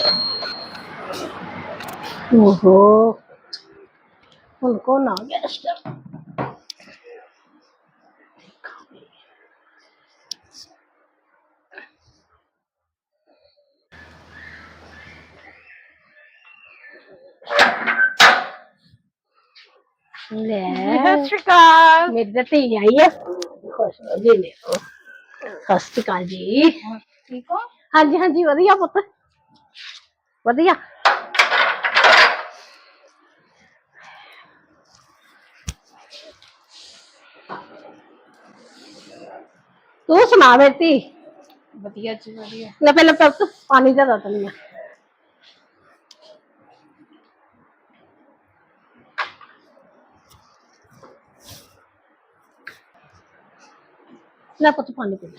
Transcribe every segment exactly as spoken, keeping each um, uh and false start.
ओहो उनको ना गेस्ट ले सत श्री अकाल। मेरी धी आई है खुश हो जी ले सत श्री अकाल जी। ठीक हो? हाँ जी हाँ जी वधिया पुत वधिया। तू सुना मेरी धी? वधिया जी वधिया। ले पहले पुत पानी दे दो तनिया। ले पुत पानी पी।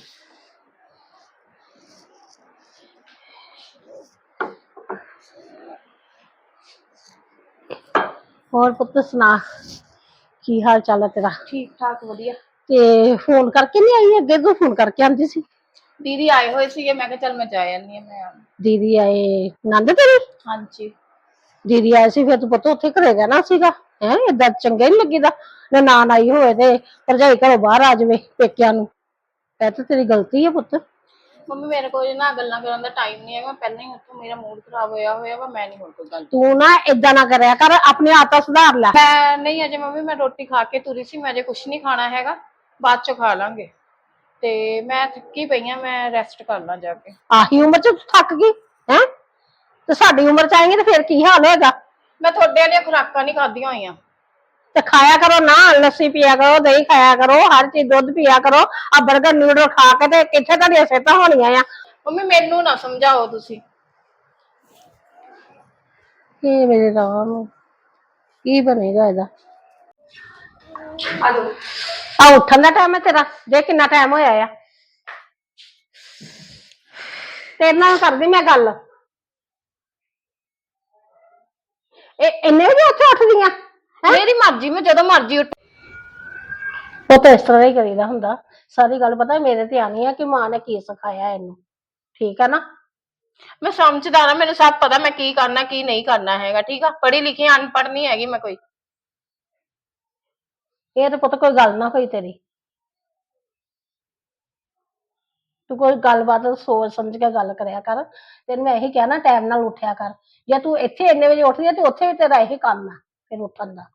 और पुत सुना की हाल चाल है तेरा? ठीक ठाक वधिया। ते फोन करके नहीं आई? अगे तो फोन करके आंदी सी। दीदी आए हुए सी मैं कहा चल मैं जा आनी मैं। दीदी आए नंद तेरी? हाँ जी। दीदी आए सी फिर तू पुत उत्थे घरे रहना सीगा है? इदा चंगा नहीं लगीदा ननान आई होए ते भरजाई घरों बाहर आ जावे पेकिया नूं। ਇਹ ਤਾਂ ਤੇਰੀ गलती है पुत। ਮੰਮੀ ਮੇਰੇ ਕੋਲ ਨਾ ਗੱਲਾਂ ਕਰਨ ਦਾ ਟਾਈਮ ਨਹੀਂ ਹੈਗਾ। ਪਹਿਲਾਂ ਹੀ ਉੱਥੋਂ ਮੇਰਾ ਮੂਡ ਖਰਾਬ ਹੋਇਆ ਹੋਇਆ ਵਾ। ਮੈਂ ਨਹੀਂ ਹੋਰ ਕੋਈ ਗੱਲ। ਤੂੰ ਨਾ ਇਦਾਂ ਨਾ ਕਰਿਆ ਕਰ ਆਪਣੇ ਆਦਤਾਂ ਸੁਧਾਰ ਲੈ। ਮੈਂ ਨਹੀਂ ਅਜੇ ਮੰਮੀ ਮੈਂ ਰੋਟੀ ਖਾ ਕੇ ਤੁਰੀ ਸੀ। ਮੈਂ ਅਜੇ ਕੁਛ ਨਹੀਂ ਖਾਣਾ ਹੈਗਾ ਬਾਅਦ ਚ ਖਾ ਲਾਂਗੇ। ਤੇ ਮੈਂ ਥੱਕੀ ਪਈ ਆ ਮੈਂ ਰੈਸਟ ਕਰਨਾ ਜਾ ਕੇ। ਆਹੀ ਉਮਰ ਚ ਥੱਕ ਗਈ ਹੈ ਤੇ ਸਾਡੀ ਉਮਰ ਚ ਆਏਂਗੇ ਤੇ ਫਿਰ ਕੀ ਹਾਲ ਹੋਏਗਾ? ਮੈਂ ਤੁਹਾਡੇ ਵਾਲੀਆਂ ਖੁਰਾਕਾਂ ਨਹੀਂ ਖਾਧੀਆਂ ਹੋਈਆਂ। ਤੇ ਖਾਇਆ ਕਰੋ ਨਾ ਲੱਸੀ ਪੀਆ ਕਰੋ ਦਹੀਂ ਖਾਇਆ ਕਰੋ ਹਰ ਚੀਜ਼ ਦੁੱਧ ਪੀਆ ਕਰੋ। ਆ 버ਗਰ ਨਿਊਡਲ ਖਾ ਕੇ ਤੇ ਕਿੱਥੇ ਤੁਹਾਡੀਆਂ ਸਿਹਤਾਂ ਹੋਣੀਆਂ ਆ? ਮੰਮੀ ਮੈਨੂੰ ਨਾ ਸਮਝਾਓ ਤੁਸੀਂ। ਕੀ ਮੇਰੇ ਰਾਮ ਕੀ ਬਣੇਗਾ ਇਹਦਾ? ਆਲੋ ਆ ਉੱਠਣ ਦਾ ਟਾਈਮ ਹੈ ਤੇਰਾ? ਦੇ ਕਿੰਨਾ ਟਾਈਮ ਹੋਇਆ ਆ? ਤੇਰੇ ਨਾਲ ਕਰਦੀ ਮੈਂ ਗੱਲ। ਇਹ ਇੰਨੇ ਵਜੇ ਉੱਥੇ ਉੱਠਦੀਆਂ? ਮੇਰੀ ਮਰਜ਼ੀ ਮੈਂ ਜਦੋਂ ਮਰਜ਼ੀ ਉੱਠ। ਉਹ ਤਾਂ ਇਸ ਤਰ੍ਹਾਂ ਹੀ ਕਰੀਦਾ ਹੁੰਦਾ। ਸਾਰੀ ਗੱਲ ਪਤਾ ਮੇਰੇ ਤੇ ਆਣੀ ਆ ਕਿ ਮਾਂ ਨੇ ਕੀ ਸਿਖਾਇਆ ਇਹਨੂੰ। ਠੀਕ ਆ ਨਾ? ਮੈਂ ਸਮਝਦਾਰ ਆ ਮੈਨੂੰ ਸਭ ਪਤਾ ਮੈਂ ਕੀ ਕਰਨਾ ਕੀ ਨਹੀਂ ਕਰਨਾ ਹੈਗਾ। ਠੀਕ ਆ ਪੜ੍ਹੀ ਲਿਖੀ ਅਨਪੜ੍ਹ ਨਹੀਂ ਹੈਗੀ ਮੈਂ ਕੋਈ। ਇਹ ਤਾਂ ਪੁੱਤ ਕੋਈ ਗੱਲ ਨਾ ਹੋਈ ਤੇਰੀ। ਤੂੰ ਕੋਈ ਗੱਲਬਾਤ ਸੋਚ ਸਮਝ ਕੇ ਗੱਲ ਕਰਿਆ ਕਰ। ਤੈਨੂੰ ਮੈਂ ਇਹੀ ਕਿਹਾ ਨਾ ਟਾਈਮ ਨਾਲ ਉੱਠਿਆ ਕਰ। ਜੇ ਤੂੰ ਇੱਥੇ ਇੰਨੇ ਵਜੇ ਉੱਠਦੀ ਆ ਤੇ ਉੱਥੇ ਵੀ ਤੇਰਾ ਇਹੀ ਕੰਮ ਆ ਫਿਰ ਉੱਠਣ ਦਾ।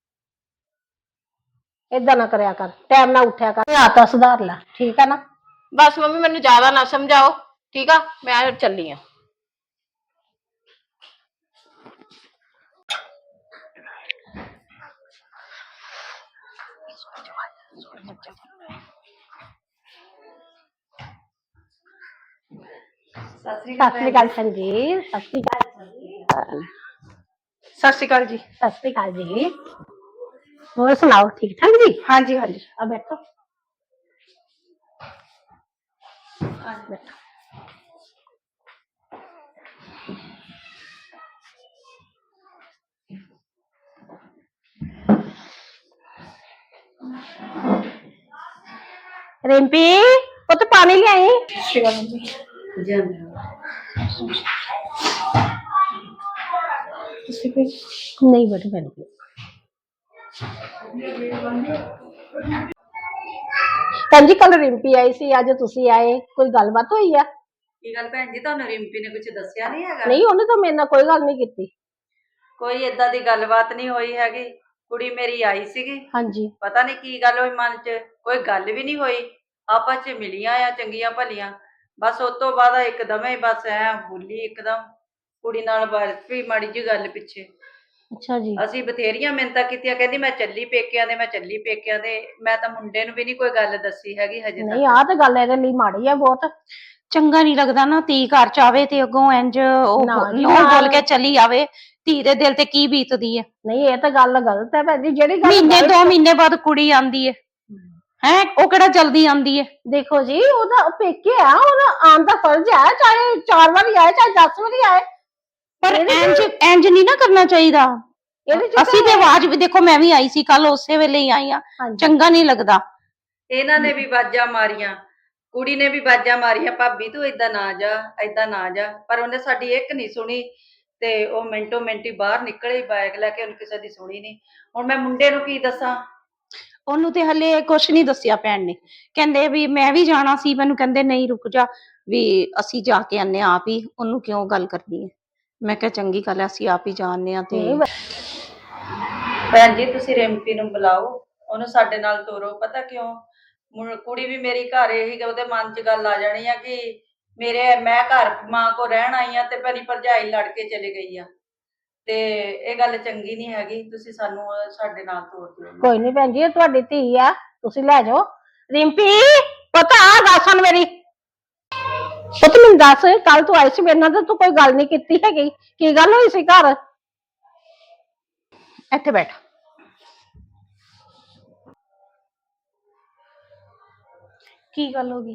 ਏਦਾਂ ਨਾ ਕਰਿਆ ਕਰ ਟਾਈਮ ਨਾਲ ਉੱਠਿਆ ਕਰ ਆਦਤਾਂ ਸੁਧਾਰ ਲੈ। ਠੀਕ ਆ ਨਾ? ਬਸ ਮੰਮੀ ਮੈਨੂੰ ਜ਼ਿਆਦਾ ਨਾ ਸਮਝਾਓ ਠੀਕ ਆ ਮੈਂ ਚੱਲੀ ਆ। ਸਤਿ ਸ੍ਰੀ ਅਕਾਲ ਭੈਣ ਜੀ। ਸਤਿ ਸ੍ਰੀ ਅਕਾਲ। ਸਤਿ ਸ਼੍ਰੀ ਅਕਾਲ ਜੀ। ਸਤਿ ਸ੍ਰੀ ਅਕਾਲ ਜੀ। ਹੋਰ ਸੁਣਾਓ ਠੀਕ ਠਾਕ ਜੀ? हाँ जी हाँ जी। ਆ ਬੈਠੋ ਬੈਠੋ। रिंपी पुत पानी ले आई। नहीं बैठो बैठो। ਭੈਣ ਜੀ ਕੱਲ ਰਿੰਪੀ ਆਈ ਸੀ ਅੱਜ ਤੁਸੀਂ ਆਏ ਕੋਈ ਗੱਲਬਾਤ ਹੋਈ ਆ? ਕੀ ਗੱਲ ਭੈਣ ਜੀ ਤੁਹਾਨੂੰ ਰਿੰਪੀ ਨੇ ਕੁਝ ਦੱਸਿਆ ਨਹੀਂ ਹੈਗਾ? ਨਹੀਂ ਉਹਨੇ ਤਾਂ ਮੇਰੇ ਨਾਲ ਕੋਈ ਗੱਲ ਨਹੀਂ ਕੀਤੀ। ਕੋਈ ਏਦਾਂ ਦੀ ਗੱਲਬਾਤ ਨਹੀਂ ਹੋਈ ਹੈਗੀ। ਕੁੜੀ ਮੇਰੀ ਆਈ ਸੀਗੀ। ਹਾਂਜੀ ਪਤਾ ਨਹੀਂ ਕੀ ਗੱਲ ਹੋਈ ਮਨ 'ਚ ਕੋਈ ਗੱਲ ਵੀ ਨਹੀਂ ਹੋਈ। ਆਪਸ 'ਚ ਮਿਲੀਆਂ ਆ ਚੰਗੀਆਂ ਭਲੀਆਂ। ਬਸ ਉਸ ਤੋਂ ਬਾਅਦ ਇੱਕਦਮ ਹੀ ਬਸ ਐ ਬੋਲੀ ਇੱਕਦਮ ਕੁੜੀ ਨਾਲ ਬਰਫੀ ਮਾੜੀ ਜਿਹੀ ਗੱਲ ਪਿੱਛੇ। ਅੱਛਾ ਜੀ। ਅਸੀਂ ਬਥੇਰੀਆਂ ਮਿੰਨਤਾਂ ਕੀਤੀਆਂ ਕਹਿੰਦੀ ਮੈਂ ਚੱਲੀ ਪੇਕਿਆਂ ਦੇ ਮੈਂ ਚੱਲੀ ਪੇਕਿਆਂ ਦੇ। ਮੈਂ ਤਾਂ ਮੁੰਡੇ ਨੂੰ ਵੀ ਨਹੀਂ ਕੋਈ ਗੱਲ ਦੱਸੀ ਹੈਗੀ ਹਜੇ ਨਹੀਂ ਆਹ ਤਾਂ ਗੱਲ ਇਹਦੇ ਲਈ ਮਾੜੀ ਆ ਬਹੁਤ। ਚੰਗਾ ਨਹੀਂ ਲੱਗਦਾ ਨਾ ਧੀ ਘਰ ਚ ਆਵੇ ਤੇ ਅੱਗੋਂ ਇੰਜ ਉਹ ਬੋਲ ਕੇ ਚਲੀ ਆਵੇ। ਧੀ ਦੇ ਦਿਲ ਤੇ ਕੀ ਬੀਤਦੀ ਹੈ? ਨਹੀਂ ਇਹ ਤਾਂ ਗੱਲ ਗਲਤ ਹੈ ਭੈਣ ਜੀ। ਜਿਹੜੀ ਗੱਲ ਮਹੀਨੇ ਦੋ ਮਹੀਨੇ ਬਾਅਦ ਕੁੜੀ ਆਂਦੀ ਹੈ ਹੈ ਉਹ ਕਿਹੜਾ ਜਲਦੀ ਆਂਦੀ ਹੈ? ਦੇਖੋ ਜੀ ਉਹਦਾ ਪੇਕੇ ਆ ਉਹਦਾ ਆਉਣ ਦਾ ਫਰਜ਼ ਹੈ ਚਾਹੇ ਚਾਰ ਵਾਰੀ ਆਏ ਚਾਹੇ ਦਸ ਵਾਰੀ ਆਏ। ਪਰ ਇੰਜ ਇੰਜ ਨਹੀਂ ਨਾ ਕਰਨਾ ਚਾਹੀਦਾ। ਅਸੀਂ ਤੇ ਆਵਾਜ਼ ਵੀ ਦੇਖੋ ਮੈਂ ਵੀ ਆਈ ਸੀ ਕੱਲ ਉਸੇ ਵੇਲੇ ਹੀ ਆਈ ਆ। ਚੰਗਾ ਨਹੀਂ ਲੱਗਦਾ। ਇਹਨਾਂ ਨੇ ਵੀ ਬਾਜਾਂ ਮਾਰੀਆਂ ਕੁੜੀ ਨੇ ਵੀ ਬਾਜਾਂ ਮਾਰੀਆਂ, ਭਾਬੀ ਤੂੰ ਏਦਾਂ ਨਾ ਜਾ, ਏਦਾਂ ਨਾ ਜਾ, ਪਰ ਉਹਨੇ ਸਾਡੀ ਇੱਕ ਨਹੀਂ ਸੁਣੀ ਤੇ ਉਹ ਮਿੰਟੋ ਮਿੰਟ ਹੀ ਬਾਹਰ ਨਿਕਲੇ ਬਾਈਕ ਲੈ ਕੇ, ਉਹਨੇ ਕਿਸੇ ਦੀ ਸੁਣੀ ਨਹੀਂ। ਹੁਣ ਮੈਂ ਮੁੰਡੇ ਨੂੰ ਕੀ ਦੱਸਾਂ? ਉਹਨੂੰ ਤੇ ਹਲੇ ਕੁਛ ਨਹੀਂ ਦੱਸਿਆ ਭੈਣ ਨੇ, ਕਹਿੰਦੇ ਵੀ ਮੈਂ ਵੀ ਜਾਣਾ ਸੀ, ਮੈਨੂੰ ਕਹਿੰਦੇ ਨਹੀਂ ਰੁਕ ਜਾ, ਵੀ ਅਸੀਂ ਜਾ ਕੇ ਆਨੇ ਆਪ ਹੀ, ਉਹਨੂੰ ਕਿਉਂ ਗੱਲ ਕਰਨੀ ਹੈ। ਮੈਂ ਕਿਹਾ ਚੰਗੀ ਗੱਲ ਹੈ, ਅਸੀਂ ਆਪ ਹੀ ਜਾਣਦੇ ਆ। ਤੇ ਨਹੀਂ ਭੈਣ ਜੀ ਤੁਸੀਂ ਰਿੰਪੀ ਨੂੰ ਬੁਲਾਓ, ਉਹਨੂੰ ਸਾਡੇ ਨਾਲ ਤੋਰੋ। ਪਤਾ ਕਿਉਂ? ਮੁੰ- ਕੁੜੀ ਵੀ ਮੇਰੀ ਘਰ ਇਹੀ ਉਹਦੇ ਮਨ 'ਚ ਗੱਲ ਆ ਜਾਣੀ ਆ ਕਿ ਮੇਰੇ ਮੈਂ ਘਰ ਮਾਂ ਕੋ ਰਹਿਣ ਆਈ ਆ ਤੇ ਮੇਰੀ ਭਰਜਾਈ ਲੜ ਕੇ ਚਲੀ ਗਈ ਆ, ਤੇ ਇਹ ਗੱਲ ਚੰਗੀ ਨਹੀਂ ਹੈਗੀ। ਤੁਸੀਂ ਸਾਨੂੰ ਅਹ, ਸਾਡੇ ਨਾਲ ਤੋਰ ਦਿਓ। ਕੋਈ ਨਹੀਂ ਭੈਣ ਜੀ, ਇਹ ਤੁਹਾਡੀ ਧੀ ਆ, ਤੁਸੀਂ ਲੈ ਜਾਓ। ਰਿੰਪੀ ਪਤਾ ਆ ਦੱਸਣ ਮੇਰੀ ਪੁੱਤ, ਮੈਨੂੰ ਦੱਸ, ਕੱਲ ਤੂੰ ਆਈ ਸੀ ਮੇਰੇ ਨਾਲ ਤੇ ਤੂੰ ਕੋਈ ਗੱਲ ਨਹੀਂ ਕੀਤੀ ਹੈਗੀ, ਕੀ ਗੱਲ ਹੋਈ ਸੀ ਘਰ? ਇੱਥੇ ਬੈਠ। ਕੀ ਗੱਲ ਹੋ ਗਈ?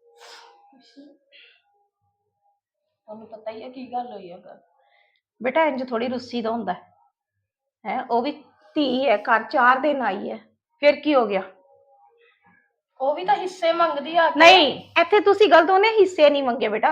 ਤੁਹਾਨੂੰ ਪਤਾ ਹੀ ਹੈ ਕੀ ਗੱਲ ਹੋਈ ਹੈ। ਬੇਟਾ ਇੰਜ ਥੋੜੀ ਰੁੱਸੀ ਦਾ ਹੁੰਦਾ ਹੈ, ਉਹ ਵੀ ਧੀ ਹੈ, ਘਰ ਚਾਰ ਦਿਨ ਆਈ ਹੈ, ਫਿਰ ਕੀ ਹੋ ਗਿਆ? ਉਹ ਵੀ ਤਾਂ ਹਿੱਸੇ ਮੰਗਦੀ ਆ ਕੇ। ਨਹੀਂ, ਇੱਥੇ ਤੁਸੀਂ ਗਲਤ, ਉਹਨੇ ਹਿੱਸੇ ਨਹੀਂ ਮੰਗੇ ਬੇਟਾ,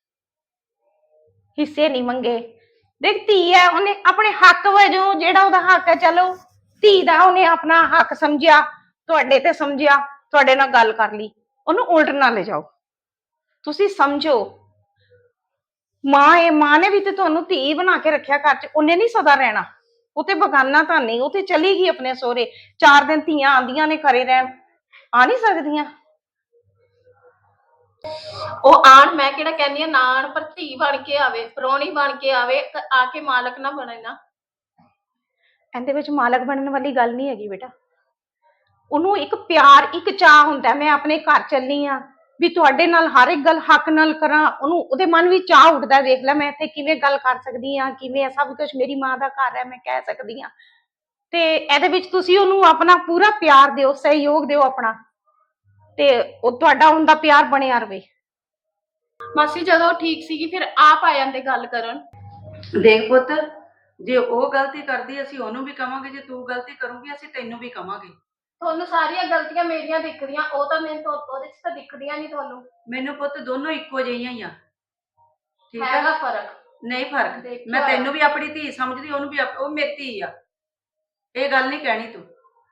ਹਿੱਸੇ ਨਹੀਂ ਮੰਗੇ। ਦੇਖ ਧੀ ਹੈ, ਉਹਨੇ ਆਪਣੇ ਹੱਕ ਵਜੋਂ ਜਿਹੜਾ ਉਹਦਾ ਹੱਕ ਹੈ, ਚਲੋ ਧੀ ਦਾ ਉਹਨੇ ਆਪਣਾ ਹੱਕ ਸਮਝਿਆ, ਤੁਹਾਡੇ ਤੇ ਸਮਝਿਆ, ਤੁਹਾਡੇ ਨਾਲ ਗੱਲ ਕਰ ਲਈ, ਉਹਨੂੰ ਉਲਟ ਨਾ ਲੈ ਜਾਓ। ਤੁਸੀਂ ਸਮਝੋ, ਮਾਂ ਇਹ ਮਾਂ ਨੇ ਵੀ ਤੇ ਤੁਹਾਨੂੰ ਧੀ ਬਣਾ ਕੇ ਰੱਖਿਆ ਘਰ 'ਚ, ਉਹਨੇ ਨਹੀਂ ਸਦਾ ਰਹਿਣਾ, ਉਹ ਤੇ ਬਗਾਨਾ ਤਾਂ ਨਹੀਂ, ਉਹ ਤੇ ਚਲੀ ਗਈ ਆਪਣੇ ਸਹੁਰੇ। ਚਾਰ ਦਿਨ ਧੀਆਂ ਆਂਦੀਆਂ ਨੇ ਘਰੇ ਰਹਿਣ, ਆ ਨਹੀਂ ਸਕਦੀਆਂ? ਉਹ ਆਣ, ਮੈਂ ਕਿਹੜਾ ਕਹਿੰਦੀ ਆ ਨਾ ਆਣ, ਪਰ ਧੀ ਬਣ ਕੇ ਆਵੇ, ਪ੍ਰਾਹੁਣੀ ਬਣ ਕੇ ਆਵੇ, ਤੇ ਆ ਕੇ ਮਾਲਕ ਨਾ ਬਣੇ ਨਾ। ਇਹਦੇ ਵਿੱਚ ਮਾਲਕ ਬਣਨ ਵਾਲੀ ਗੱਲ ਨਹੀਂ ਹੈਗੀ ਬੇਟਾ। ਉਹਨੂੰ ਇੱਕ ਪਿਆਰ, ਇੱਕ ਚਾਹ ਹੁੰਦਾ, ਮੈਂ ਆਪਣੇ ਘਰ ਚੱਲੀ ਆ ਵੀ ਤੁਹਾਡੇ ਨਾਲ ਹਰ ਇੱਕ ਗੱਲ ਹੱਕ ਨਾਲ ਕਰਾਂ, ਉਹਨੂੰ ਉਹਦੇ ਮਨ ਵਿੱਚ ਚਾਹ ਉੱਠਦਾ, ਦੇਖ ਲੈ ਮੈਂ ਇੱਥੇ ਕਿਵੇਂ ਗੱਲ ਕਰ ਸਕਦੀ ਆ, ਕਿਵੇਂ ਸਭ ਕੁਝ ਮੇਰੀ ਮਾਂ ਦਾ ਘਰ ਹੈ, ਮੈਂ ਕਹਿ ਸਕਦੀ ਆ। ਤੇ ਇਹਦੇ ਵਿੱਚ ਤੁਸੀਂ ਉਹਨੂੰ ਆਪਣਾ ਪੂਰਾ ਪਿਆਰ ਦਿਓ, ਸਹਿਯੋਗ ਦਿਓ ਆਪਣਾ, ਤੇ ਉਹ ਤੁਹਾਡਾ ਉਹਦਾ ਪਿਆਰ ਬਣਿਆ ਰਵੇ। ਮਾਸੀ ਜਦੋਂ ਠੀਕ ਸੀਗੀ ਫਿਰ ਆਪ ਆ ਜਾਂਦੇ ਗੱਲ ਕਰਨ। ਦੇਖ ਪੁੱਤ, ਜੇ ਉਹ ਗਲਤੀ ਕਰਦੀ ਅਸੀਂ ਉਹਨੂੰ ਵੀ ਕਵਾਂਗੇ, ਜੇ ਤੂੰ ਗਲਤੀ ਕਰੂਗੀ ਅਸੀਂ ਤੈਨੂੰ ਵੀ ਕਵਾਂਗੇ। ਤੁਹਾਨੂੰ ਸਾਰੀਆਂ ਗਲਤੀਆਂ ਮੇਰੀਆਂ ਦਿਖਦੀਆਂ, ਉਹ ਤਾਂ ਮੈਨੂੰ ਤਾਂ ਉਹਦੇ 'ਚ ਤਾਂ ਦਿਖਦੀਆਂ ਨਹੀਂ ਤੁਹਾਨੂੰ। ਮੈਨੂੰ ਪੁੱਤ ਦੋਨੋਂ ਇੱਕੋ ਜਿਹੀਆਂ ਹੀ ਆ, ਠੀਕ ਹੈਗਾ ਹੈ? ਫਰਕ। ਨਹੀਂ ਫਰਕ, ਦੇਖਿਆ ਮੈਂ ਹੋਇਆ। ਤੈਨੂੰ ਵੀ ਆਪਣੀ ਧੀ ਸਮਝਦੀ, ਉਹਨੂੰ ਵੀ ਆਪ- ਉਹ ਮੇਰੀ ਧੀ ਆ, ਇਹ ਗੱਲ ਨਹੀਂ ਕਹਿਣੀ ਤੂੰ।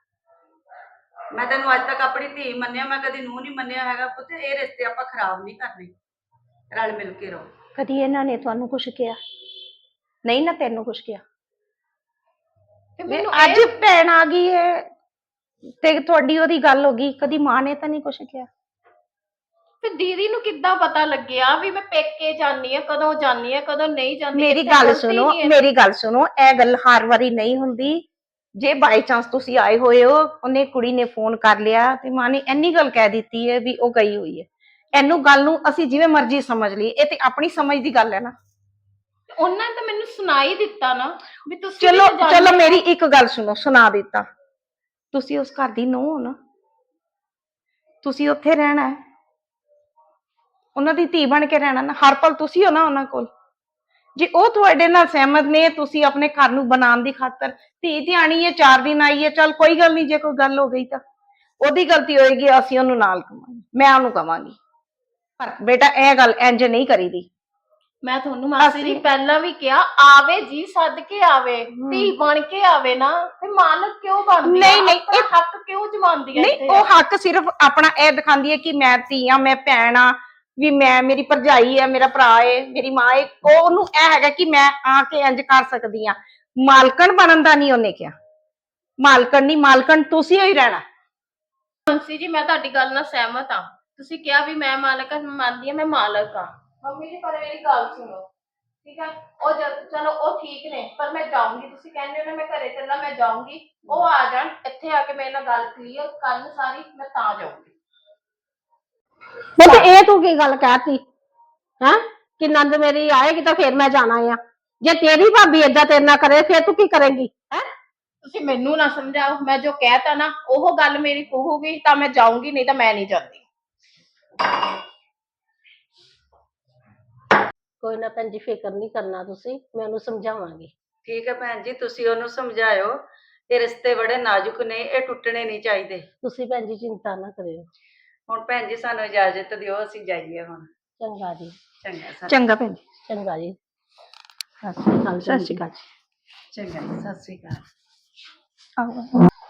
ਮੈਂ ਤੈਨੂੰ ਅੱਜ ਤੱਕ ਆਪਣੀ ਧੀ ਮੰਨਿਆ, ਮੈਂ ਕਦੀ ਨੂੰਹ ਨਹੀਂ ਮੰਨਿਆ ਹੈਗਾ ਪੁੱਤ। ਇਹ ਰਿਸ਼ਤੇ ਆਪਾਂ ਖਰਾਬ ਨਹੀਂ ਕਰਨੇ, ਰਲ ਮਿਲ ਕੇ ਰਹੋ। ਕਦੀ ਇਹਨਾਂ ਨੇ ਤੁਹਾਨੂੰ ਕੁਛ ਕਿਹਾ ਨਹੀਂ ਨਾ, ਤੈਨੂੰ ਕੁਛ ਕਿਹਾ? ਤੇ ਵੀ ਮੈਨੂੰ ਅੱਜ ਭੈਣ ਆ ਗਈ ਹੈ ਤੇ ਤੁਹਾਡੀ ਉਹਦੀ ਗੱਲ ਹੋ ਗਈ, ਕਦੀ ਮਾਂ ਨੇ ਤਾਂ ਨਹੀਂ ਕੁਛ ਕਿਹਾ? ਫਿਰ ਦੀਦੀ ਨੂੰ ਕਿੱਦਾਂ ਪਤਾ ਲੱਗਿਆ ਵੀ ਮੈਂ ਪੇਕੇ ਜਾਨੀ ਆ, ਕਦੋਂ ਜਾਨੀ ਆ, ਕਦੋਂ ਨਹੀਂ ਜਾਂਦੀ? ਮੇਰੀ ਇੱਥੇ ਗੱਲ ਗਲਤੀ ਸੁਣੋ, ਨਹੀਂ ਹੈ। ਮੇਰੀ ਗੱਲ ਸੁਣੋ, ਇਹ ਗੱਲ ਹਰ ਵਾਰੀ ਨਹੀਂ ਹੁੰਦੀ। ਜੇ ਬਾਈ ਚਾਂਸ ਤੁਸੀਂ ਆਏ ਹੋਏ ਹੋ, ਉਹਨੇ ਕੁੜੀ ਨੇ ਫੋਨ ਕਰ ਲਿਆ ਤੇ ਮਾਂ ਨੇ ਇੰਨੀ ਗੱਲ ਕਹਿ ਦਿੱਤੀ ਹੈ ਵੀ ਉਹ ਗਈ ਹੋਈ ਹੈ, ਇਹਨੂੰ ਗੱਲ ਨੂੰ ਅਸੀਂ ਜਿਵੇਂ ਮਰਜ਼ੀ ਸਮਝ ਲਈਏ, ਇਹ ਤੇ ਆਪਣੀ ਸਮਝ ਦੀ ਗੱਲ ਹੈ ਨਾ। ਉਹਨਾਂ ਨੇ ਤਾਂ ਮੈਨੂੰ ਸੁਣਾਈ ਦਿੱਤਾ ਨਾ ਵੀ ਤੁਸੀਂ ਚਲੋ ਵੀ ਤਾਂ ਚਲੋ ਜਾਂਦੇ ਮੇਰੀ ਹੋ। ਇੱਕ ਗੱਲ ਸੁਣੋ, ਸੁਣਾ ਦਿੱਤਾ, ਤੁਸੀਂ ਉਸ ਘਰ ਦੀ ਨੂੰਹ ਹੋ ਨਾ, ਤੁਸੀਂ ਉੱਥੇ ਰਹਿਣਾ ਹੈ, ਉਹਨਾਂ ਦੀ ਧੀ ਬਣ ਕੇ ਰਹਿਣਾ ਨਾ, ਹਰ ਪਲ ਤੁਸੀਂ ਹੋ ਨਾ ਉਹਨਾਂ ਕੋਲ। ਜੇ ਉਹ ਤੁਹਾਡੇ ਨਾਲ ਸਹਿਮਤ ਨੇ, ਤੁਸੀਂ ਆਪਣੇ ਘਰ ਨੂੰ ਬਣਾਉਣ ਦੀ ਖਾਤਰ, ਧੀ ਧਿਆਣੀ ਹੈ, ਚਾਰ ਦਿਨ ਆਈ ਹੈ, ਚੱਲ ਕੋਈ ਗੱਲ ਨਹੀਂ, ਜੇ ਕੋਈ ਗੱਲ ਹੋ ਗਈ ਤਾਂ ਉਹਦੀ ਗਲਤੀ ਹੋਏਗੀ, ਅਸੀਂ ਉਹਨੂੰ ਨਾਲ ਕਵਾਂਗੇ, ਮੈਂ ਉਹਨੂੰ ਕਵਾਂਗੀ, ਪਰ ਬੇਟਾ ਇਹ ਗੱਲ ਇੰਜ ਨਹੀਂ ਕਰੀਦੀ। ਮੈਂ ਤੁਹਾਨੂੰ ਮਾਸੀ ਜੀ ਅਸੀਂ- ਪਹਿਲਾਂ ਵੀ ਕਿਹਾ, ਆਵੇ ਜੀ ਸੱਦ ਕੇ ਆਵੇ, ਧੀ ਬਣ ਕੇ ਆਵੇ ਨਾ, ਤੇ ਮਾਲਕ ਕਿਉਂ ਬਣਦੀ ਆ? ਨਹੀਂ, ਨਹੀਂ, ਆਪਣਾ ਇਹ- ਹੱਕ ਕਿਉਂ ਜਮਾਉਂਦੀ ਆ ਨਹੀਂ, ਇੱਥੇ? ਉਹ ਹੱਕ ਸਿਰਫ ਆਪਣਾ ਇਹ ਦਿਖਾਉਂਦੀ ਹੈ ਕਿ ਮੈਂ ਧੀ ਆ, ਮੈਂ ਭੈਣ ਆ, ਵੀ ਮੈਂ, ਮੇਰੀ ਭਰਜਾਈ ਹੈ, ਮੇਰਾ ਭਰਾ ਹੈ, ਮੇਰੀ ਮਾਂ ਹੈ, ਉਹ ਉਹਨੂੰ ਇਹ ਹੈਗਾ ਕਿ ਮੈਂ ਆ ਕੇ ਇੰਜ ਕਰ ਸਕਦੀ ਆ। ਮਾਲਕਣ ਬਣਨ ਦਾ ਨਹੀਂ ਉਹਨੇ ਕਿਹਾ, ਮਾਲਕਣ ਨਹੀਂ, ਮਾਲਕਣ ਤੁਸੀਂ ਹੀ ਰਹਿਣਾ। ਮਾਸੀ ਜੀ ਮੈਂ ਤੁਹਾਡੀ ਗੱਲ ਨਾਲ ਸਹਿਮਤ ਆ, ਤੁਸੀਂ ਕਿਹਾ ਵੀ ਮੈਂ ਮਾਲਕ ਆ, ਮੰਨਦੀ ਆ, ਮੈਂ ਮਾਲਕ ਆ। ਮੰਮੀ ਜੀ ਪਰ ਮੇਰੀ ਗੱਲ ਸੁਣੋ, ਠੀਕ ਆ? ਉਹ ਜਦ ਚਲੋ ਉਹ ਠੀਕ ਨੇ, ਪਰ ਮੈਂ ਜਾਊਂਗੀ, ਤੁਸੀਂ ਕਹਿੰਦੇ ਹੋ ਨਾ ਮੈਂ ਘਰੇ ਚੱਲਾਂ, ਮੈਂ ਜਾਊਂਗੀ, ਉਹ ਆ ਜਾਣ ਇੱਥੇ ਆ ਕੇ ਮੇਰੇ ਨਾਲ ਗੱਲ ਕਲੀਅਰ ਕਰਨ ਸਾਰੀ, ਮੈਂ ਤਾਂ ਜਾਊਂਗੀ। ਪੁੱਤ ਇਹ ਤੂੰ ਕੀ ਗੱਲ ਕਹਿਤੀ ਹੈ ਕਿ ਨੰਦ ਮੇਰੀ ਆਏਗੀ ਤਾਂ ਫਿਰ ਮੈਂ ਜਾਣਾ ਆ? ਜੇ ਤੇਰੀ ਭਾਬੀ ਏਦਾਂ ਤੇਰੇ ਨਾਲ ਕਰੇ ਫਿਰ ਤੂੰ ਕੀ ਕਰੇਂਗੀ? ਹੈ ਤੁਸੀਂ ਮੈਨੂੰ ਨਾ ਸਮਝਾਓ, ਮੈਂ ਜੋ ਕਹਿਤਾ ਨਾ ਉਹ ਗੱਲ ਮੇਰੀ ਕਹੂਗੀ ਤਾਂ ਮੈਂ ਜਾਊਂਗੀ, ਨਹੀਂ ਤਾਂ ਮੈਂ ਨਹੀਂ ਜਾਂਦੀ। ਕੋਈ ਨਾ ਭੈਣ ਜੀ, ਫਿਕਰ ਨਹੀਂ ਕਰਨਾ ਤੁਸੀਂ, ਮੈਂ ਉਹਨੂੰ ਸਮਝਾਵਾਂਗੀ। ਠੀਕ ਹੈ ਭੈਣ ਜੀ, ਤੁਸੀਂ ਉਹਨੂੰ ਸਮਝਾਇਓ, ਇਹ ਰਿਸ਼ਤੇ ਬੜੇ ਨਾਜ਼ੁਕ ਨੇ, ਇਹ ਟੁੱਟਣੇ ਨਹੀਂ ਚਾਹੀਦੇ। ਤੁਸੀਂ ਭੈਣ ਜੀ ਚਿੰਤਾ ਨਾ ਕਰਿਓ। ਹੁਣ ਭੈਣ ਜੀ ਸਾਨੂੰ ਇਜਾਜ਼ਤ ਦਿਓ, ਅਸੀਂ ਜਾਈਏ ਹੁਣ। ਚੰਗਾ ਜੀ, ਚੰਗਾ ਸਰ। ਚੰਗਾ ਭੈਣ ਜੀ। ਚੰਗਾ ਜੀ, ਸਤਿ ਸ਼੍ਰੀ ਅਕਾਲ। ਸਤਿ ਸ਼੍ਰੀ ਅਕਾਲ ਜੀ। ਚੰਗਾ ਜੀ, ਸਤਿ ਸ੍ਰੀ ਅਕਾਲ। ਆਹੋ।